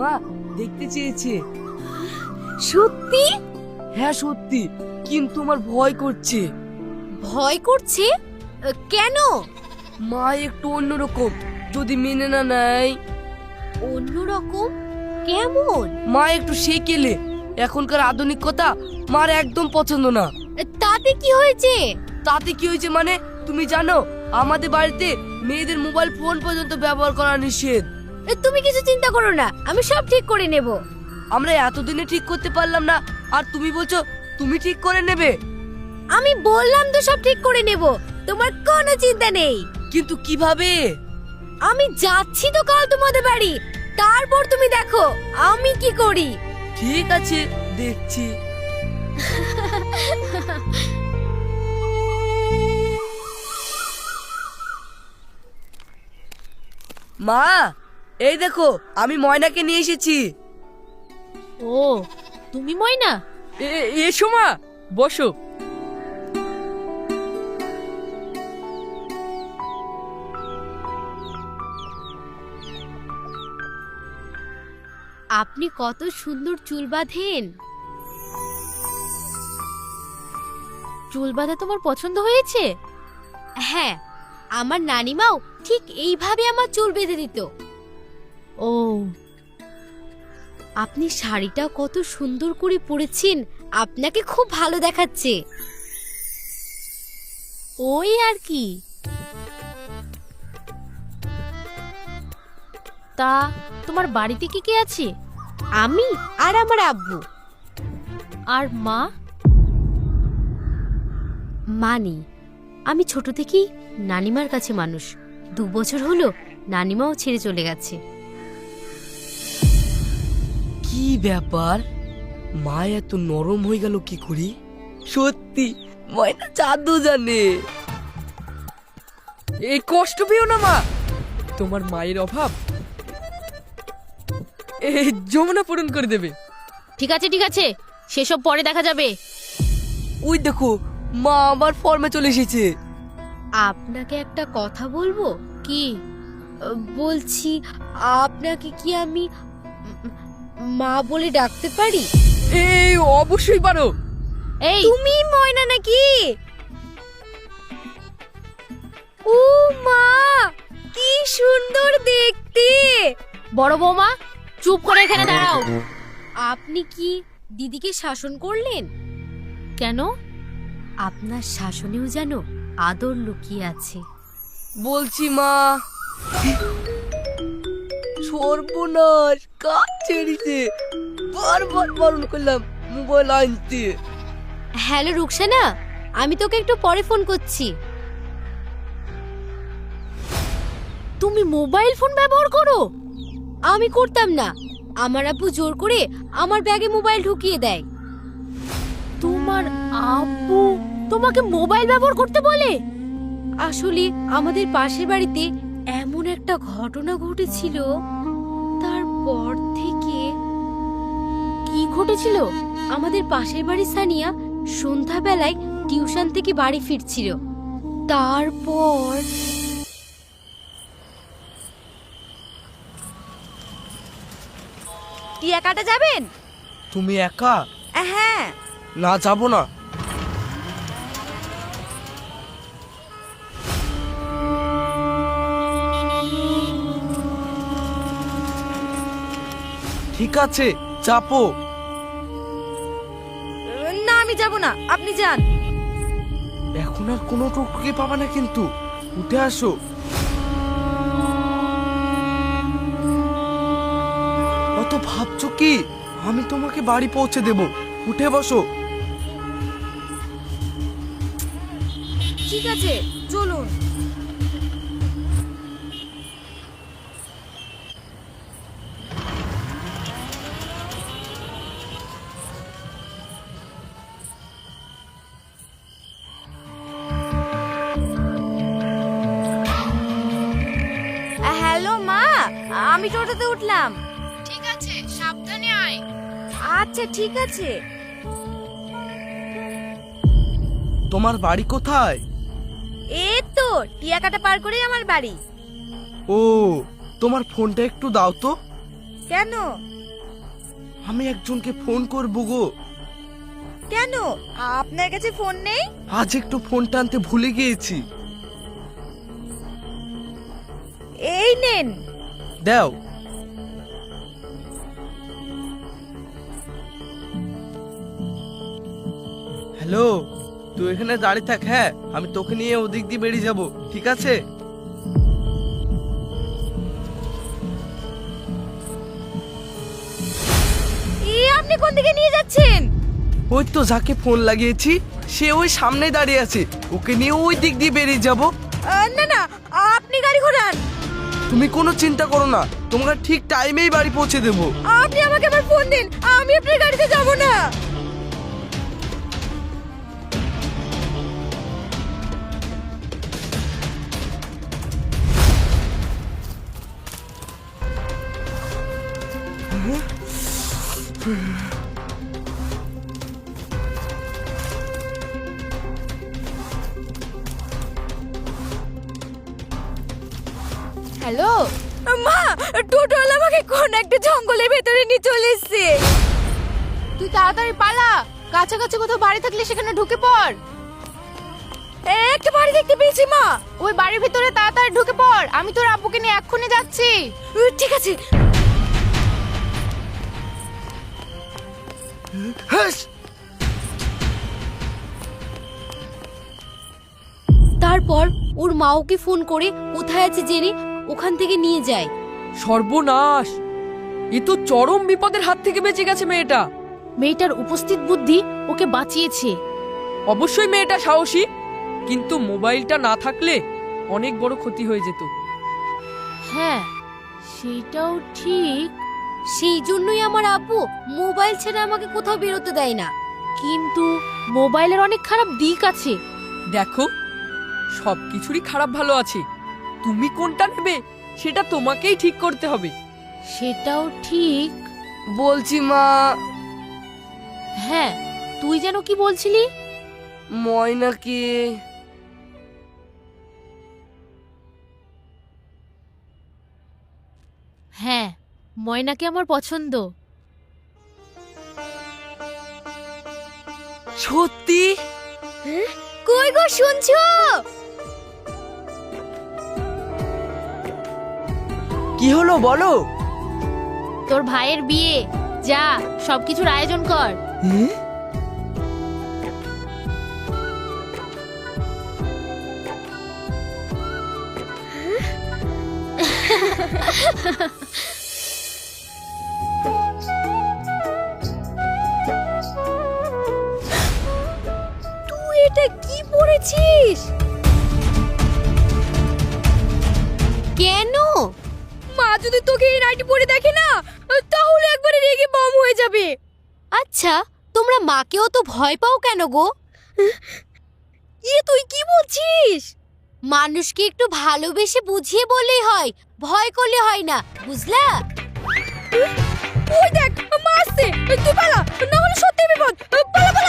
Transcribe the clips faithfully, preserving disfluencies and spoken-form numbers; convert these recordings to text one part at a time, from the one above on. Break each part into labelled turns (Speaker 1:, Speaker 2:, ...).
Speaker 1: মা দেখতে চেয়েছে।
Speaker 2: সত্যি?
Speaker 1: হ্যাঁ সত্যি, কিন্তু আমার ভয় করছে।
Speaker 2: ভয় করছে কেন?
Speaker 1: মা একটু অন্যরকম, যদি মেনে না নেয়।
Speaker 2: অন্যরকম কেমন?
Speaker 1: মা একটু সেকেলে, এখনকার আধুনিকতা মার একদম পছন্দ না।
Speaker 2: তাতে কি হয়েছে?
Speaker 1: তাতে কি হয়েছে মানে, তুমি জানো আমাদের বাড়িতে মেয়েদের মোবাইল ফোন পর্যন্ত ব্যবহার করা নিষেধ।
Speaker 2: তুমি কিছু চিন্তা করো না, আমি সব ঠিক করে নেব।
Speaker 1: আমরা এতদিনে ঠিক করতে পারলাম না, আর তুমি বলছো তুমি ঠিক করে নেবে?
Speaker 2: আমি বললাম তো সব ঠিক করে নেব, তোমার কোনো চিন্তা নেই।
Speaker 1: কিন্তু কিভাবে?
Speaker 2: আমি যাচ্ছি তো কাল তোমাদের বাড়ি, তারপর তুমি দেখো আমি কি করি।
Speaker 1: ঠিক আছে, দেখছি। মা, এই দেখো আমি ময়নাকে নিয়ে এসেছি।
Speaker 2: ও, তুমি ময়না?
Speaker 3: এসো মা, বসো।
Speaker 2: আপনি কত সুন্দর চুল বাঁধেন। চুল বাঁধা তোমার পছন্দ হয়েছে? হ্যাঁ, আমার নানিমাও ঠিক এইভাবে আমার চুল বেঁধে দিত। ও, আপনি শাড়িটা কত সুন্দর করে পরেছেন, আপনাকে খুব ভালো দেখাচ্ছে। ওই আর কি। তা তোমার বাড়িতে কি কে আছে? আমি আর আমার আব্বু। আর মা? মানি, আমি ছোট থেকেই নানিমার কাছে মানুষ। দু বছর হলো নানিমাও ছেড়ে চলে গেছে।
Speaker 1: কি ব্যাপার, মা এত নরম হয়ে গেল কি করি? সত্যি ময়না জাদু জানে।
Speaker 3: এই কষ্ট পেও না মা, তোমার মায়ের অভাব এই যমুনা পূরণ করে দেবে।
Speaker 2: ঠিক আছে ঠিক আছে, সেসব পরে দেখা যাবে।
Speaker 1: ওই দেখো মা আবার ফর্মে চলে এসেছে।
Speaker 2: আপনাকে একটা কথা বলবো কি? বলছি, আপনাকে কি আমি মা বলে ডাকতে পারি?
Speaker 3: এই অবশ্যই পারো।
Speaker 2: এই তুমি ময়না নাকি? ও মা, কি সুন্দর দেখতে। বড় বৌমা, চুপ করে এখানে দাঁড়াও। আপনি কি দিদিকে শাসন করলেন কেন? আপনার শাসনেও যেন আদর লুকিয়ে আছে।
Speaker 1: বলছি মা, সর্বনাশ, কাজ ছেড়েছে। বারবার বারণ করলাম মোবাইল আনতে।
Speaker 2: হ্যালো রুকসানা, আমি তোকে একটু পরে ফোন করছি। তুমি মোবাইল ফোন ব্যবহার করো? আমি করতাম না, আমার আব্বু জোর করে আমার ব্যাগে মোবাইল ঢুকিয়ে দেয়। তোমার আব্বু তোমাকে মোবাইল ব্যবহার করতে বলে? আসলে আমাদের পাশের বাড়িতে এমন একটা ঘটনা ঘটেছিল, তারপর থেকে। কি ঘটেছিল? আমাদের পাশের বাড়ির সানিয়া সন্ধ্যাবেলায় টিউশন থেকে বাড়ি ফিরছিল, তারপর টিয়া কাটা যাবেন?
Speaker 1: তুমি একা?
Speaker 2: হ্যাঁ।
Speaker 1: না, যাবো না। ঠিক আছে, চাপো।
Speaker 2: না, আমি যাব না, আপনি যান।
Speaker 1: এখন আর কোনো টুকটুকি পাবা না, কিন্তু উঠে আসো। অত ভাবছো কি? আমি তোমাকে বাড়ি পৌঁছে দেব, উঠে বসো।
Speaker 2: ঠিক আছে, চলুন। হ্যালো মা, আমি টোটোতে উঠলাম। ঠিক আছে, সাবধানে আয়। আচ্ছা ঠিক আছে।
Speaker 1: তোমার বাড়ি কোথায়?
Speaker 2: এই তো টিয়াকাটা পার করেই আমার বাড়ি।
Speaker 1: ও, তোমার ফোনটা একটু দাও তো।
Speaker 2: কেন,
Speaker 4: আমি একজনকে ফোন করবো গো।
Speaker 5: কেন আপনার কাছে ফোন নেই?
Speaker 4: আজ একটু ফোনটা আনতে ভুলে গিয়েছি।
Speaker 5: এই নেন।
Speaker 4: দাও। হ্যালো, তুই এখানে দাঁড়িয়ে থাক। হ্যাঁ, আমি তোকে নিয়ে ওদিক দিয়ে বেরিয়ে যাব, ঠিক আছে?
Speaker 5: এই আপনি কোন দিকে নিয়ে যাচ্ছেন?
Speaker 4: ওই তো যাকে ফোন লাগিয়েছি সে ওই সামনে দাঁড়িয়ে আছে, ওকে নিয়ে ওই দিক দিয়ে বেরিয়ে যাব।
Speaker 5: আহ, না না, আপনি গাড়ি ঘোরান।
Speaker 4: তুমি কোনো চিন্তা করো না, তোমাকে ঠিক টাইমেই বাড়ি পৌঁছে দেবো।
Speaker 5: আপনি আমাকে আবার ফোন দিন, আমি আপনার গাড়িতে যাব না।
Speaker 2: হ্যালো,
Speaker 5: মা, টোটোওয়ালা আমাকে কোন একটা জঙ্গলের ভেতরে নিয়ে চলে এসেছে।
Speaker 2: তুই তাড়াতাড়ি পালা, কাছাকাছি কোথাও বাড়ি থাকলে সেখানে ঢুকে পড়।
Speaker 5: একটা বাড়ি দেখতে পেয়েছি মা।
Speaker 2: ওই বাড়ির ভিতরে তাড়াতাড়ি ঢুকে পড়, আমি তোর আব্বুকে নিয়ে এক্ষুনি যাচ্ছি।
Speaker 5: উহ, ঠিক আছে।
Speaker 4: হ্যাস!
Speaker 2: তারপর ওর মা ওকে ফোন করে কোথায় আছে জেনে ওখান থেকে নিয়ে যায়।
Speaker 3: সর্বনাশ, এ তো চরম বিপদের হাত থেকে বেঁচে গেছে মেয়েটা।
Speaker 2: মেয়েটার উপস্থিত বুদ্ধি ওকে বাঁচিয়েছে।
Speaker 3: অবশ্যই মেয়েটা সাহসী, কিন্তু মোবাইলটা না থাকলে অনেক বড় ক্ষতি হয়ে যেত।
Speaker 2: হ্যাঁ, সেটাও ঠিক। সেই জন্যই আমার আব্বু মোবাইল ছেড়ে আমাকে কোথাও বেরোতে দেয় না। কিন্তু মোবাইলের অনেক খারাপ দিক আছে।
Speaker 3: দেখো, সবকিছুরই খারাপ ভালো আছে, তুমি কোনটা নেবে সেটা তোমাকেই ঠিক করতে হবে।
Speaker 2: সেটাও ঠিক।
Speaker 1: বলছি মা,
Speaker 2: হ্যাঁ, তুই যেন কি বলছিলি?
Speaker 1: ময়নাকে
Speaker 2: হ্যাঁ, ময়নাকে আমার পছন্দ।
Speaker 1: সত্যি?
Speaker 5: কই গো, শুনছো?
Speaker 1: কি হলো বলো?
Speaker 2: তোর ভাইয়ের বিয়ে, যা সবকিছুর আয়োজন কর।
Speaker 5: তুই এটা কি পড়েছিস?
Speaker 2: কেন?
Speaker 5: মা যদি তোকে এই নাইটি পরে দেখে না, তাহলে একবারে রেগে বম হয়ে যাবে।
Speaker 2: আচ্ছা, তোমরা মাকেও তো ভয় পাও কেন গো?
Speaker 5: এ তুই কি বলছিস?
Speaker 2: মানুষকে একটু ভালোবেসে বুঝিয়ে বললেই হয়, ভয় করলে হয় না, বুঝলা?
Speaker 5: ওই দেখ, মা আসছে, তুই পালা, না হলে সত্যি বিপদ। পালা পালা।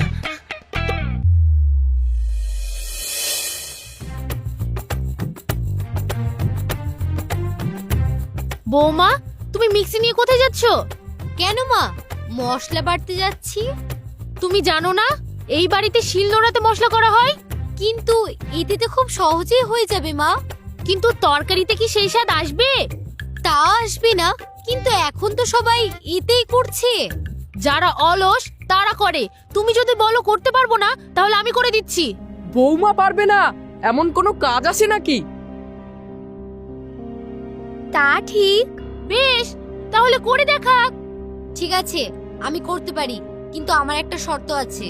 Speaker 2: বৌমা, তুমি মিক্সি নিয়ে কোথায় যাচ্ছ? কেন মা? মশলা বাটতে যাচ্ছি। তুমি জানো না এই বাড়িতে শিলনোড়াতে মশলা করা হয়? কিন্তু এতে তো খুব সহজেই হয়ে যাবে মা। কিন্তু তরকারিতে কি সেই স্বাদ আসবে? তা আসবে না, কিন্তু এখন তো সবাই এতেই করছে। যারা অলস তারা করে, তুমি যদি বলো করতে পারবো না, তাহলে আমি করে দিচ্ছি।
Speaker 3: বৌমা পারবে না এমন কোনো কাজ আছে নাকি?
Speaker 2: তা ঠিক। বেশ, তাহলে করে দেখাক। ঠিক আছে, আমি করতে পারি, কিন্তু আমার একটা শর্ত আছে।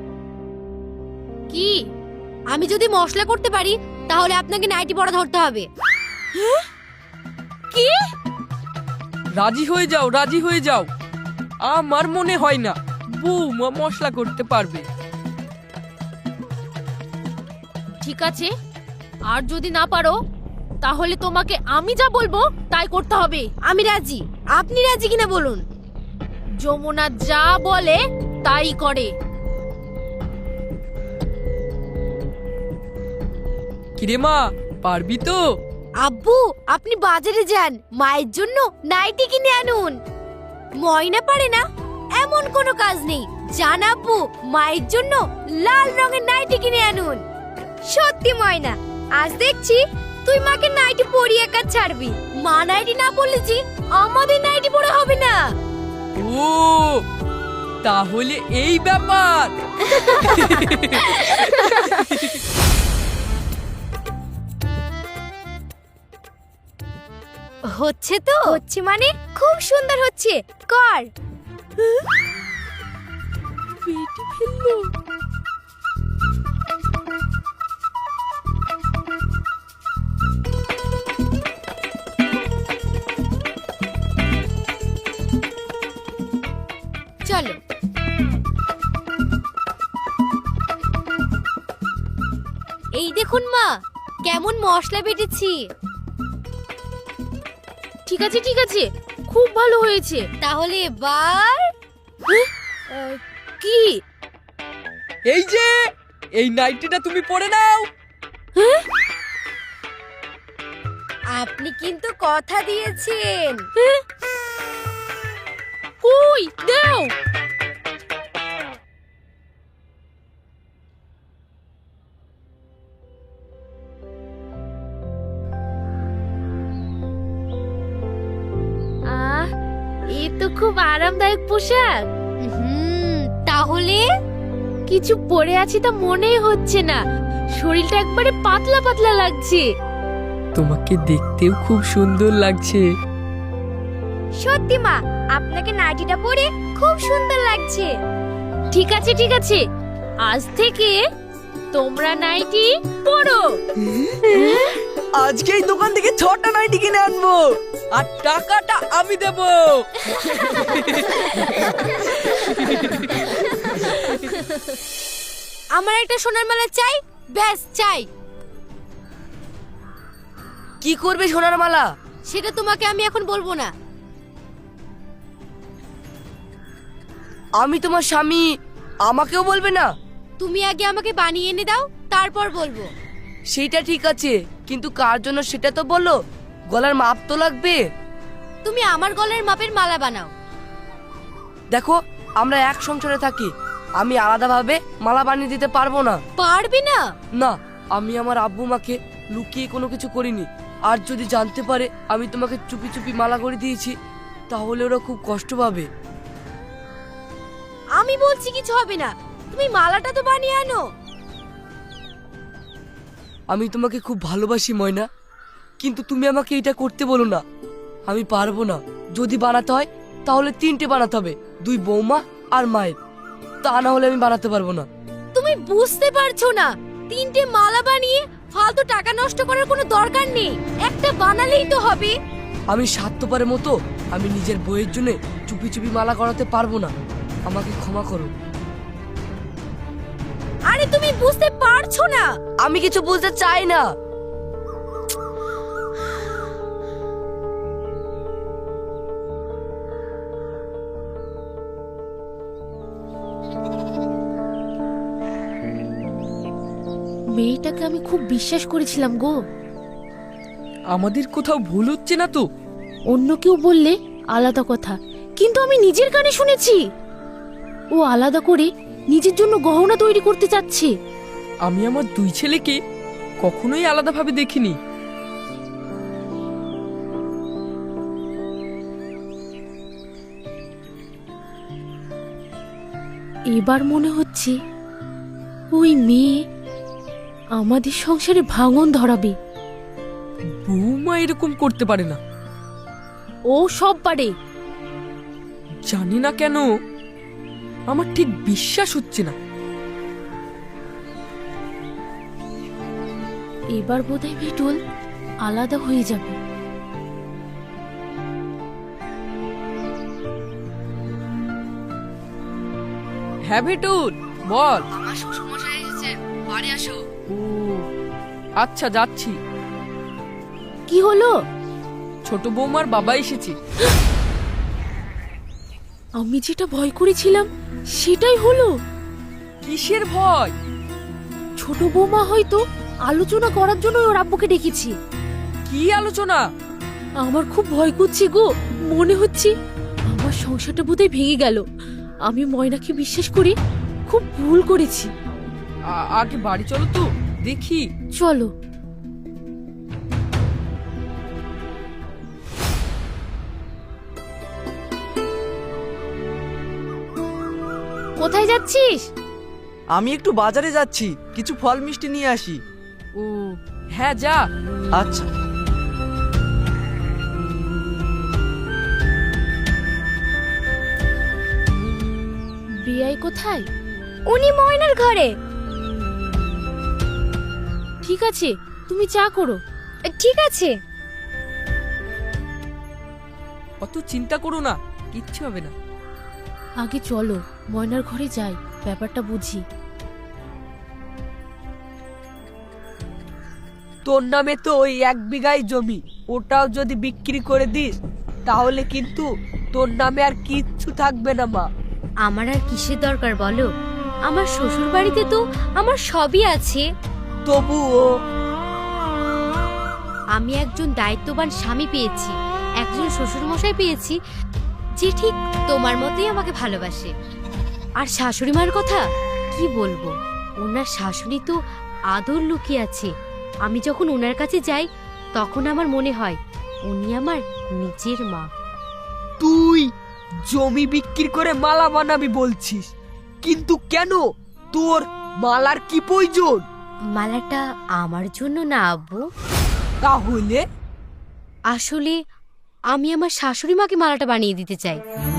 Speaker 2: কি? আমি যদি মশলা করতে পারি তাহলে আপনাকে নাইটি পরা ধরতে হবে। কি?
Speaker 3: রাজি হয়ে যাও, রাজি হয়ে যাও। আমার মনে হয় না বৌমা মশলা করতে পারবে।
Speaker 2: ঠিক আছে, আর যদি না পারো তাহলে তোমাকে আমি যা বলবো তাই করতে হবে। আমি রাজি, আপনি রাজি কিনা বলুন। যমুনা যা বলে তাই করে।
Speaker 3: কিরে মা, পারবি তো?
Speaker 2: আব্বু, আপনি বাজারে যান, মায়ের জন্য নাইটি কিনে আনুন। ময়না পারে না এমন কোনো কাজ নেই। জানাবো মায়ের জন্য লাল রঙের নাইটি কিনে আনুন।
Speaker 5: সত্যি ময়না, আজ দেখছি তুই মাকে নাইটি পরিয়ে কাজ ছাড়বি।
Speaker 2: মা নাইটি না পরলেছি আমাদের নাইটি পরে হবে না।
Speaker 3: ও তাহলে এই ব্যাপার।
Speaker 2: হচ্ছে তো?
Speaker 5: হচ্ছে মানে খুব সুন্দর হচ্ছে, কর।
Speaker 2: পেটে ফেললো। চলো। এই দেখুন মা, কেমন মশলা বেটেছি। ঠিক আছে ঠিক আছে, খুব ভালো হয়েছে। তাহলে এবার আহ, কি?
Speaker 3: এই যে এই নাইটিটা তুমি পরে নাও।
Speaker 2: আপনি কিন্তু কথা দিয়েছেন। কই দাও। আহ, এ তো খুব আরামদায়ক পোশাক। হুম, তাহলে কিছু পরে আছি তা মনেই হচ্ছে না। শরীরটা একবারে পাতলা পাতলা লাগছে।
Speaker 3: তোমাকে দেখতেও খুব সুন্দর লাগছে।
Speaker 5: সত্যি মা, আপনাকে নাইটিটা পরে খুব সুন্দর লাগছে।
Speaker 2: ঠিক আছে ঠিক আছে, আজ থেকে তোমরা নাইটি পরো।
Speaker 4: আজকে এই দোকান থেকে ছটা নাইটি কিনে আনবো।
Speaker 3: আর টাকাটা আমি দেব।
Speaker 2: আমার একটা সোনার মালা চাই, ব্যাস চাই।
Speaker 1: কি করবে সোনার মালা?
Speaker 2: সেটা তোমাকে আমি এখন বলবো না।
Speaker 1: আমি তোমার স্বামী, আমাকেও বলবে না?
Speaker 2: তুমি আগে আমাকে বানিয়ে এনে দাও, তারপর বলবো।
Speaker 1: সেইটা ঠিক আছে, কিন্তু কার জন্য সেটা তো বলো। গলার মাপ তো লাগবে।
Speaker 2: তুমি আমার গলার মাপের মালা বানাও।
Speaker 1: দেখো, আমরা এক সংসারে থাকি, আমি আলাদাভাবে মালা বানিয়ে দিতে পারবো না।
Speaker 2: পারবে না?
Speaker 1: না, আমি আমার আব্বু মাকে লুকিয়ে কোনো কিছু করিনি। আর যদি জানতে পারে আমি তোমাকে চুপি চুপি মালা করে দিয়েছি, তাহলে ওরা খুব কষ্ট পাবে।
Speaker 2: আমি বলছি কিছু হবে না, তুমি মালাটা তো বানিয়ে আনো।
Speaker 1: আমি তোমাকে খুব ভালোবাসি ময়না, কিন্তু তুমি আমাকে এটা করতে বলো না। আমি পারবো না। যদি বানাতে হয় তাহলে তিনটে বানাতে হবে, দুই বৌমা আর মায়ের। তা না হলে আমি বানাতে পারবো না।
Speaker 2: তুমি বুঝতে পারছো না, তিনটে মালা বানিয়ে ফালতু টাকা নষ্ট করার কোনো দরকার নেই। একটা বানালেই তো হবে।
Speaker 1: আমি স্বার্থপরের মতো আমি নিজের বইয়ের জন্য চুপি চুপি মালা করাতে পারবো না। আমাকে ক্ষমা করো।
Speaker 2: আরে তুমি বুঝতে পারছো না।
Speaker 1: আমি কিছু বুঝতে চাই না।
Speaker 2: মেয়েটাকে আমি খুব বিশ্বাস করেছিলাম গো।
Speaker 3: আমাদের কোথাও ভুল হচ্ছে না তো?
Speaker 2: অন্য কেউ বললে আলাদা কথা, কিন্তু আমি নিজের কানে শুনেছি ও আলাদা করে নিজের জন্য গহনা তৈরি করতে চাচ্ছে।
Speaker 3: আমি আমার দুই ছেলেকে কখনোই আলাদাভাবে দেখিনি।
Speaker 2: এবার মনে হচ্ছে ওই মেয়ে আমাদের সংসারে ভাঙন ধরাবে।
Speaker 3: বৌমা এরকম করতে পারে না।
Speaker 2: ও সব পারে।
Speaker 3: জানি না কেন আমার ঠিক বিশ্বাস হচ্ছে না।
Speaker 2: এবার বোধহয় বিটুল আলাদা হয়ে যাবে।
Speaker 3: হ্যাঁ ভেটুল, বল।
Speaker 1: আমার শ্বশুর মশাই এসেছেন, বাড়ি আসো।
Speaker 3: ও আচ্ছা, যাচ্ছি।
Speaker 2: কি হলো?
Speaker 3: ছোট বৌমার বাবা এসেছে।
Speaker 2: আমি যেটা ভয় করেছিলাম সেটাই হলো।
Speaker 3: কিসের ভয়?
Speaker 2: ছোট বৌমা হয়তো আলোচনা করার জন্য ওর আব্বুকে ডেকেছি।
Speaker 3: কি আলোচনা?
Speaker 2: আমার খুব ভয় করছে গো। মনে হচ্ছে আমার সংসারটা বোধহয় ভেঙে গেল। আমি ময়নাকে বিশ্বাস করি খুব ভুল করেছি।
Speaker 3: আ- আগে বাড়ি চলো তো দেখি।
Speaker 2: চলো। কোথায় যাচ্ছিস?
Speaker 4: আমি একটু বাজারে যাচ্ছি, কিছু ফল মিষ্টি নিয়ে আসি।
Speaker 3: ও হ্যাঁ যা।
Speaker 4: আচ্ছা।
Speaker 2: বিয়াই কোথায়?
Speaker 5: উনি ময়নার ঘরে।
Speaker 2: ঠিক আছে, তুমি চা করো।
Speaker 5: ঠিক আছে।
Speaker 3: অত চিন্তা করো না, কিচ্ছু হবে না।
Speaker 2: আগে চলো ময়নার ঘরে যাই, ব্যাপারটা বুঝি।
Speaker 1: তোর নামে তো ওই এক বিঘাই জমি, ওটাও যদি বিক্রি করে দিস তাহলে কিন্তু তোর নামে আর কিচ্ছু থাকবে না মা।
Speaker 2: আমার আর কিসের দরকার বলো? আমার শ্বশুর বাড়িতে তো আমার সবই আছে।
Speaker 1: তবুও
Speaker 2: আমি একজন দায়িত্ববান স্বামী পেয়েছি, একজন শ্বশুর মশাই পেয়েছি যে ঠিক তোমার মতোই আমাকে ভালোবাসে। আর শাশুড়ি মার কথা কি বলবো, ওনার শাশুড়ি তো আদর লুকিয়ে আছে। আমি যখন ওনার কাছে যাই তখন আমার মনে হয় উনি আমার নিজের মা।
Speaker 1: তুই জমি বিক্রি করে মালা বানাবি বলছিস, কিন্তু কেন? তোর মালার কি প্রয়োজন?
Speaker 2: মালাটা আমার জন্য না আব্বু,
Speaker 1: তাহলে
Speaker 2: আসলে আমি আমার শাশুড়ি মাকে মালাটা বানিয়ে দিতে চাই।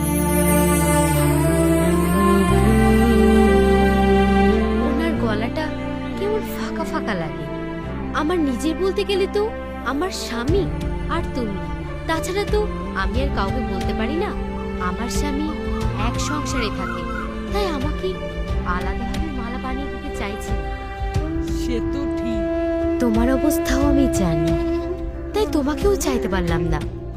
Speaker 2: ওনার গলাটা কেমন ফাঁকা ফাঁকা লাগে। আমার নিজের বলতে গেলে তো আমার স্বামী আর তুমি, তাছাড়া তো আমি আর কাউকে বলতে পারি না আমার স্বামী এক সংসারে থাকে, তাই আমাকে আলাদাভাবে মালা বানিয়ে দিতে চাইছে।
Speaker 1: সে তো ঠিক।
Speaker 2: তোমার অবস্থাও আমি জানি, তাই তোমাকেও চাইতে পারলাম না।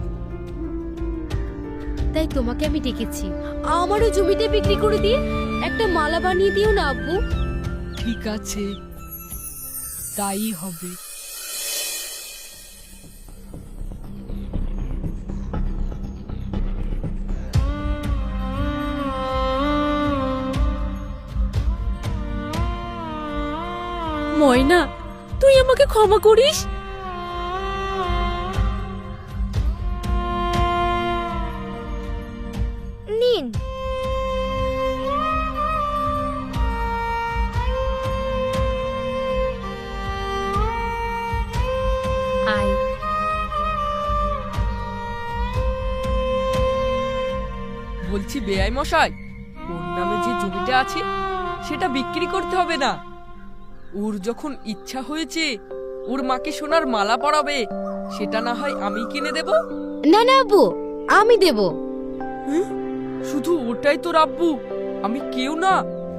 Speaker 2: তাই তোমাকে আমি ডেকেছি, আমারও জমিটা বিক্রি করে দিয়ে একটা মালা বানিয়ে দিও না আব্বু।
Speaker 1: ঠিক আছে, তাই হবে।
Speaker 2: ময়না, তুই আমাকে ক্ষমা করিস।
Speaker 5: নিন।
Speaker 2: আয়।
Speaker 3: বলছি বেআই মশাই, ওর নামে যে জমিটা আছে সেটা বিক্রি করতে হবে না। ওর যখন ইচ্ছা হয়েছে ওর মাকে সোনার মালা পরাবে, সেটা না হয় আমি কিনে দেব।
Speaker 2: না না আব্বু, আমি দেব।
Speaker 3: শুধু ওটাই তোর আব্বু, আমি কেউ না।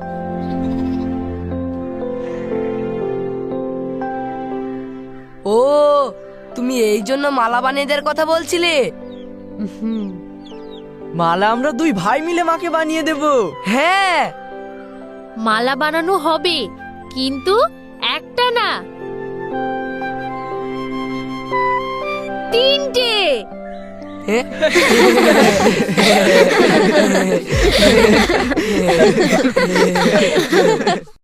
Speaker 1: ও, তুমি এই জন্য মালা বানিয়ে দেওয়ার কথা বলছিলে?
Speaker 4: মালা আমরা দুই ভাই মিলে মাকে বানিয়ে দেব।
Speaker 1: হ্যাঁ,
Speaker 2: মালা বানানো হবে, কিন্তু একটা না, তিনটে।
Speaker 1: হ্যাঁ।